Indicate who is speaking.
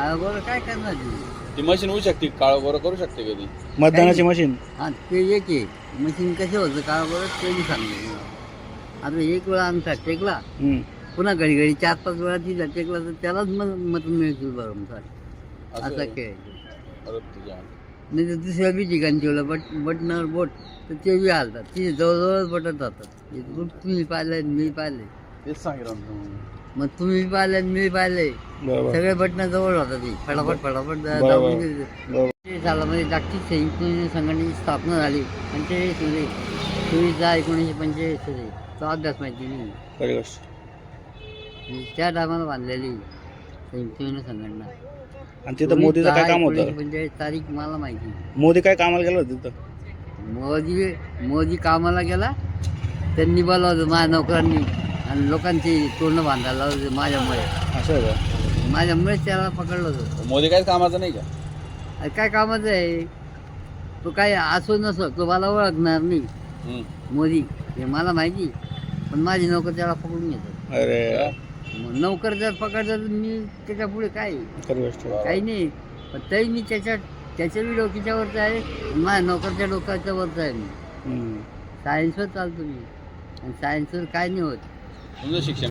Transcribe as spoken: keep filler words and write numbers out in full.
Speaker 1: काळा गोरा काय करणार ती?
Speaker 2: ती मशीन होऊ शकते काळा गोरा करू शकते कधी.
Speaker 3: मतदानाची मशीन
Speaker 1: हा ते एक आहे मशीन कसे होतं काळा गोरा ते मी सांगतो. आता एक वेळा आमचा टेकला
Speaker 3: हम्म.
Speaker 1: पुन्हा घडी घडी चार पाच वेळा तिचा टेकला तर त्यालाच मत मत मिळतील बरोबर.
Speaker 2: असं
Speaker 1: असा
Speaker 2: आहे.
Speaker 1: खेळ
Speaker 2: अरे तुझ्या.
Speaker 1: नाही तर दुसऱ्या बी ठिकाणी ठेवलं बट बटनावर बोट तर ते बी हालतात तिथे जवळजवळच बटन जातात. हे तुम्ही पाहिलं मी पाहिले
Speaker 2: तेच सांगितलं ना तुम्ही.
Speaker 1: मग तुम्ही पाहिले मी पाहिले
Speaker 3: बरोबर
Speaker 1: सगळे बटणं जवळ होतात ती फटाफट फटाफट
Speaker 3: बरोबर.
Speaker 1: दाबून दिली.
Speaker 3: बरोबर
Speaker 1: ते सालामध्ये जागतिक संयुक्त संघटनेची स्थापना झाली पंचेचाळीस मध्ये चोवीस दहा एकोणीसशे पंचेचाळीस मध्ये तो अभ्यास माहिती नाही.
Speaker 3: खरी गोष्ट.
Speaker 1: आणि त्या टायमाला बांधलेली संयुक्त संघटना
Speaker 3: आणि तिथं मोदीचं काय काम होतं?
Speaker 1: पंचेचाळीस तारीख मला माहिती नाही.
Speaker 3: मोदी काय कामाला गेला होता तिथं?
Speaker 1: मोदी मोदी कामाला गेला त्यांनी बोलावलं माझ्या नोकरांनी आणि लोकांची तोंड बांधायला लावली माझ्यामुळे.
Speaker 3: असं आहे का?
Speaker 1: माझ्यामुळेच त्याला पकडलं होतं.
Speaker 2: मोदी काय कामाचं नाही का?
Speaker 1: अरे काय कामाचं आहे तो काय असो नसो तो मला ओळखणार नाही
Speaker 2: हम्म.
Speaker 1: मोदी हे मला माहिती पण माझी नोकर त्याला पकडून घेतात.
Speaker 3: अरे
Speaker 1: मग नोकर जर पकडतात तर मी त्याच्या पुढे काय
Speaker 3: खरी गोष्ट.
Speaker 1: काही नाही. पण तरी मी त्याच्या त्याच्या बी डोक्याच्या वरचं आहे आणि माझ्या नोकरच्या डोक्याच्या वरचं आहे. मी
Speaker 3: हम्म.
Speaker 1: सायन्सवर चालतो मी आणि सायन्सवर काय नाही होत.
Speaker 2: तुमचं शिक्षण